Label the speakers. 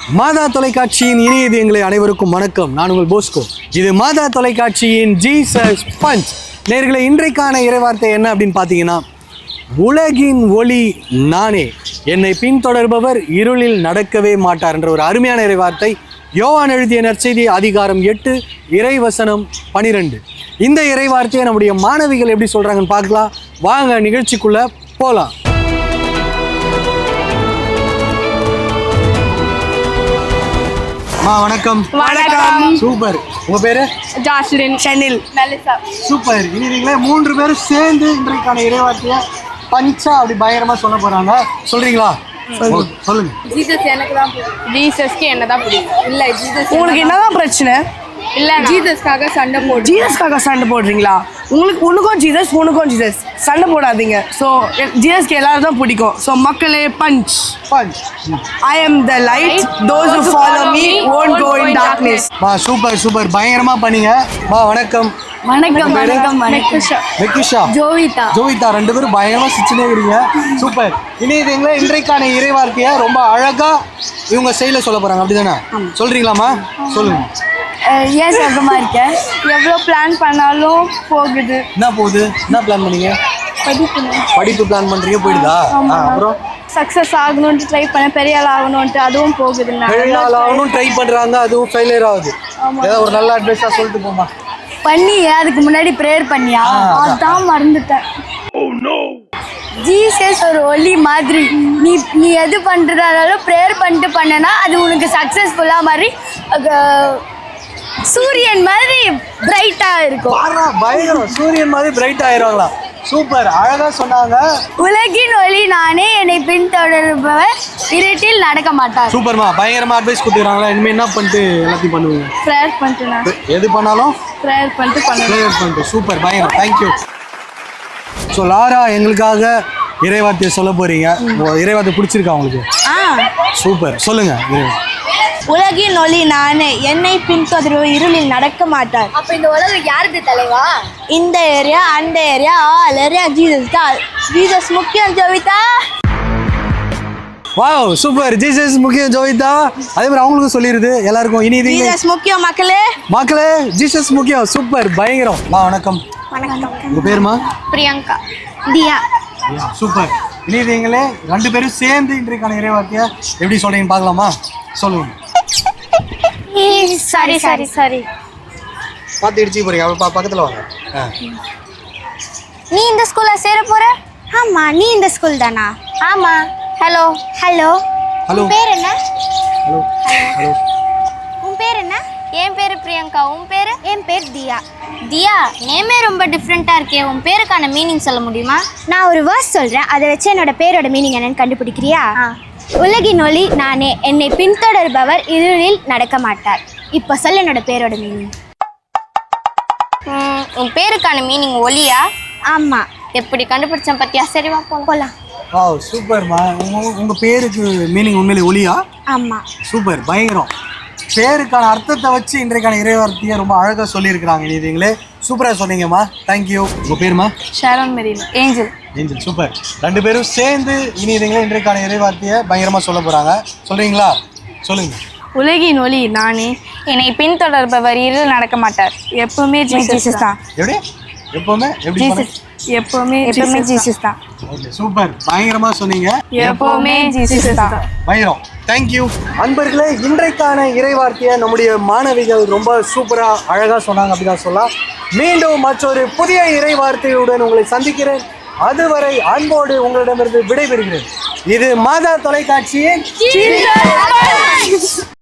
Speaker 1: மாதா தொலைக்காட்சியின் இணையதயங்களை அனைவருக்கும் வணக்கம். நான் உங்கள் போஸ்கோ. இது மாதா தொலைக்காட்சியின் ஜீசஸ் பஞ்ச். நேயர்களே, இன்றைக்கான இறைவார்த்தை என்ன அப்படின்னு பார்த்தீங்கன்னா, உலகின் ஒளி நானே, என்னை பின்தொடர்பவர் இருளில் நடக்கவே மாட்டார் என்ற ஒரு அருமையான இறைவார்த்தை. யோவான் எழுதிய நற்செய்தி அதிகாரம் 8 இறைவசனம் 12. இந்த இறைவார்த்தையை நம்முடைய மாணவிகள் எப்படி சொல்கிறாங்கன்னு பார்க்கலாம். வாங்க நிகழ்ச்சிக்குள்ளே போகலாம். வணக்கம்.
Speaker 2: வணக்கம்.
Speaker 1: சூப்பர். உங்க பேரு?
Speaker 2: ஜாஸ்லின், ஷனில், மெலிசா.
Speaker 1: சூப்பர். இனி நீங்களே 3 பேரும் சேர்ந்து இன்றைக்கான இறைவார்த்தையை பஞ்சா அப்படி பயங்கரமா சொல்ல போறாங்க. சொல்றீங்களா? சொல்லுங்க.
Speaker 2: ஜீசஸ் எனக்கு தான் பிடிக்கும். ஜீசஸ்க்கு என்னதான் பிடிக்கும். இல்ல ஜீசஸ் உங்களுக்கு என்னதான் பிரச்சனை? இல்ல ஜீசஸ்க்காக சண்டை போடு. ஜீசஸ்க்காக சண்டை போடுறீங்களா? உனக்கும் ஜீசஸ் சண்டை போடாதீங்க. ஸோ ஜீசஸ்க்கு எல்லாரும் தான் பிடிக்கும். ஸோ மக்களே, punch. I am the light. Those who follow me won't go in darkness.
Speaker 1: Super super, பயங்கரமா பண்ணீங்க. வணக்கம்.
Speaker 2: வணக்கம்.
Speaker 1: வெக்கிஷா, ஜோவிதா 2 பேரும் பயங்கரமா சிச்சுனே இருக்கீங்க. சூப்பர். இனி இதுங்களே இன்றைக்கான இறைவார்த்தையை ரொம்ப அழகா இவங்க ஸ்டைல சொல்ல போறாங்க. அப்படிதானே? சொல்றீங்களாமா? சொல்லுங்க.
Speaker 2: ஏன் சொந்தமா இருக்கேன்? எவ்வளோ பிளான் பண்ணாலும் போகுது.
Speaker 1: என்ன போகுது? என்ன பிளான் பண்ணீங்க? படிப்பு பிளான் பண்றீங்க, போயிடுதா? அப்புறம்
Speaker 2: சக்ஸஸ் ஆகணும்னு ட்ரை பண்ண, பெரிய ஆள் ஆகணும்ட்டு அதுவும் போகுது.
Speaker 1: பெரிய ஆள் ஆகணும் ட்ரை பண்றாங்க, அதுவும் ஃபெயிலியர் ஆகுது. ஏதாவது ஒரு நல்ல அட்வைஸா சொல்லிட்டு போமா.
Speaker 2: பண்ணி அதுக்கு முன்னாடி ப்ரேயர் பண்ணியா? அதான் மறந்துட்டேன். ஜீசஸ் ஒரு ஒளி மாதிரி. நீ எது பண்ணுறதாலும் ப்ரேயர் பண்ணிட்டு பண்ணனா அது உனக்கு சக்ஸஸ்ஃபுல்லாக மாதிரி சூரியன் மாதிரி பிரைட்டாக இருக்கும்.
Speaker 1: பயங்கரம். சூரியன் மாதிரி பிரைட் ஆயிடுவாங்களா? சூப்பர், அழகா சொன்னாங்க.
Speaker 2: உலகின் ஒளி நானே, என்னை பின்தொடர்பவர் இருட்டில் நடக்க மாட்டார்.
Speaker 1: சூப்பர்மா, பயங்கரமா அட்வைஸ் கொடுத்துறாங்களா? இனிமே என்ன பண்ணிட்டு எல்லாத்தையும் பண்ணுவீங்க?
Speaker 2: ப்ரேயர் பண்ணிட்டு,
Speaker 1: எது பண்ணாலும்
Speaker 2: ப்ரேயர் பண்ணிட்டு.
Speaker 1: சூப்பர், பயங்கரம். தேங்க்யூ. ஸோ லாரா, எங்களுக்காக இறைவார்த்தையை சொல்ல போறீங்க. இறைவார்த்தை பிடிச்சிருக்கா உங்களுக்கு? சூப்பர், சொல்லுங்க.
Speaker 2: உலகின் ஒளி நானே, என்னை பின்தொடர்பவர் இருளில் நடக்க மாட்டார்.
Speaker 3: அப்ப இந்த உலகம் யாருக்கு தலைவா?
Speaker 2: இந்த ஏரியா, அந்த ஏரியா, ஆல் ஏரியா ஜீசஸ் தான். ஜீசஸ் முக்கியம் ஜோவிதா.
Speaker 1: Wow, super. ஜீசஸ் முக்கியம் ஜோவிதா. அதே மாதிரி அவங்களுக்கும் சொல்லிடுது எல்லாருக்கும். இனி இது
Speaker 2: ஜீசஸ் முக்கியம் மக்களே,
Speaker 1: ஜீசஸ் முக்கியம். சூப்பர், பயங்கரம். வணக்கம். உங்க பேருமா?
Speaker 2: பிரியங்கா, தியா.
Speaker 1: சூப்பர். இனி நீங்களே 2 பேரும் சேர்ந்து இன்றைக்கான இறைவார்த்தையை எப்படி சொல்றீங்கன்னு பார்க்கலாமா? சொல்லுங்க.
Speaker 2: சாரி.
Speaker 1: பார்த்து இடிச்சு போறீங்க. பக்கத்துல வாங்க.
Speaker 3: நீ இந்த ஸ்கூல்ல சேர போற?
Speaker 2: ஆமா. நீ இந்த ஸ்கூல் தானா?
Speaker 3: ஆமா.
Speaker 2: ஹலோ.
Speaker 3: உன் பேர் என்ன?
Speaker 1: ஹலோ.
Speaker 3: உன் பேர் என்ன?
Speaker 2: என் பேரு பிரியங்கா. உன் பேரு?
Speaker 3: என் பேர் தியா. தியா, நேமே ரொம்ப டிஃப்ரெண்டா இருக்கே. உன் பேருக்கான மீனிங் சொல்ல முடியுமா?
Speaker 2: நான் ஒரு வேர்ஸ் சொல்றேன், அதை வச்சு என்னோட பேரோட மீனிங் என்னன்னு கண்டுபிடிக்கிறியா? உலகின் ஒளி நானே, என்னை பின்தொடர்பவர் இருளில் நடக்க மாட்டார். இப்போ சொல்ல என்னோட பேரோட மீனிங்.
Speaker 3: உன் பேருக்கான மீனிங் ஒளியா?
Speaker 2: ஆமா.
Speaker 3: எப்படி கண்டுபிடிச்சேன் பத்தியா? சரி வா போலாம்.
Speaker 1: வாவ், சூப்பர்மா. உங்க பேருக்கு மீனிங் உண்மையிலே ஒளியா?
Speaker 2: ஆமா.
Speaker 1: சூப்பர், பயங்கரம். பேருக்கான அர்த்தத்தை வச்சு இன்றைக்கான இறைவார்த்தையை ரொம்ப அழகாக சொல்லியிருக்கிறாங்க. நீங்களே சூப்பராக சொன்னீங்கம்மா. தேங்க்யூ. உங்கள் பேருமா?
Speaker 2: ஷாரோன் மெரினா. ஏஞ்சல்.
Speaker 1: சூப்பர். 2 பேரும் சேர்ந்து இனி இதுங்களே இன்றைக்கான இறைவார்த்தையை பயங்கரமாக சொல்ல போகிறாங்க. சொல்கிறீங்களா? சொல்லுங்க.
Speaker 2: உலகின் ஒளி நானே, என்னை பின்தொடர்பவர் இருளில் நடக்க மாட்டார். எப்பவுமே ஜீசஸ் தான்.
Speaker 1: எப்படி? எப்பவுமே
Speaker 2: ஜீசஸ் தான்.
Speaker 1: ஓகே, சூப்பர், பயங்கரமா சொன்னீங்க.
Speaker 2: எப்பவுமே ஜீசஸ் தான்.
Speaker 1: பயங்கரம். தேங்க்யூ. அன்பர்களே, இன்றைக்கான இறைவார்த்தையை நம்முடைய மாணவிகள் ரொம்ப சூப்பரா அழகா சொன்னாங்க. அப்படிதான் சொல்லலாம். மீண்டும் மற்றொரு புதிய இறைவார்த்தையுடன் உங்களை சந்திக்கிறேன். அதுவரை அன்போடு உங்களிடமிருந்து விடைபெறுகிறேன். இது மாதா தொலைக்காட்சியின்